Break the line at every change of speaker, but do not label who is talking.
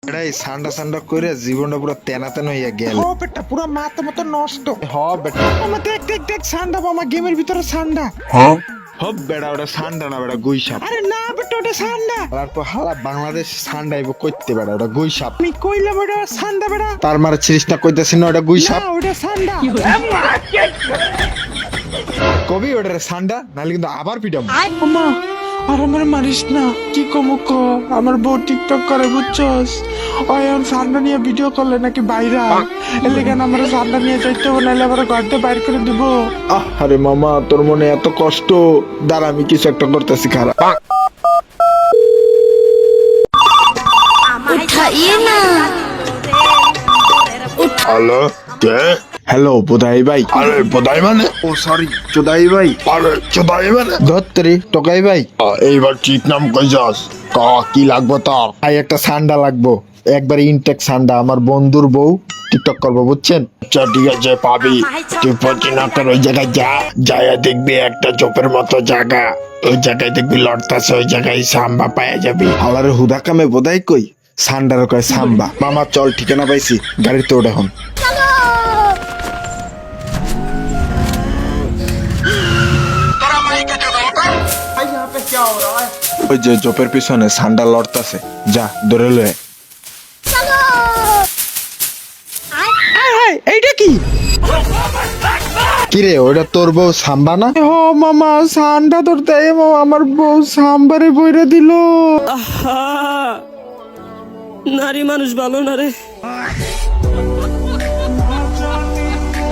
এটা এই সান্ডা সান্ডা করে জীবনটা পুরো তেনা তেনা হইয়া গেল।
হ বেটা পুরো মাথা মতো নষ্ট।
হ বেটা,
আমার দেখ দেখ দেখ সান্ডা মামা গেমের ভিতরে সান্ডা।
হব বেটা, ওটা সান্ডা না বেটা, গুইসাপ।
আরে না বেটা ওটা সান্ডা।
তারপর হালা বাংলাদেশ সান্ডাইব কইতে বেটা, ওটা গুইসাপ।
আমি কইলাম ওটা সান্ডা বেটা।
তার মারে ছিরিস না, কইতাছি না ওটা গুইসাপ।
না ওটা সান্ডা।
কবি ওটা সান্ডা, নাহলে কিন্তু আবার পিটাম।
মামা আর আমার মারিস না, কি কমু ক। আমার বউ টিকটক করে বুঝছস, ওই এখন সান্ডা নিয়ে ভিডিও করলে নাকি বাইরা এলে কেন আমার সান্ডা নিয়ে যাইতে হবে, নাহলে আবার ঘরতে বাইর করে দিব।
আরে মামা, তোর মনে এত কষ্ট, দাঁড়া আমি কিছু একটা করতেছি, খারাপ।
उठाइए ना।
হ্যালো, কে?
হ্যালো বোধাই ভাই।
আরে বোধাই মানে?
ও সরি, চোদাই ভাই।
আরে চোদাই মানে?
ধত্রি টোকাই ভাই।
এইবার ঠিক নাম কই যাস? ক কি লাগবে তোর?
ভাই একটা সান্ডা লাগবো, একবার ইনটেক সান্ডা, আমার বন্ধুর বউ টিকটক করবো, বুঝছেন?
আচ্ছা ঠিক আছে, পাবি। তুই পচিনাকের ওই জায়গায় যা, যাইয়া দেখবি একটা চোপের মতো জায়গা, ওই জায়গায় দেখবি লড়তাছে, ওই জায়গায় সাম্বা পাইয়া যাবি।
হালারে হুদা কামে বোধাই কই, সান্ডার কয় সাম্বা। মামা চল, ঠিকানা পাইছি, গাড়িতে ওঠে এখন। ওই যে জোপের পিছনে সান্ডা লড়তাছে, যা ধরে লয়ে।
এইটা কি?
কিরে ওটা তোর বউ সাম্বা না?
ও মামা সান্ডা ধরতে আমার বউ সাম্বারে বইরা দিল।
নারী মানুষ ভালো না রে।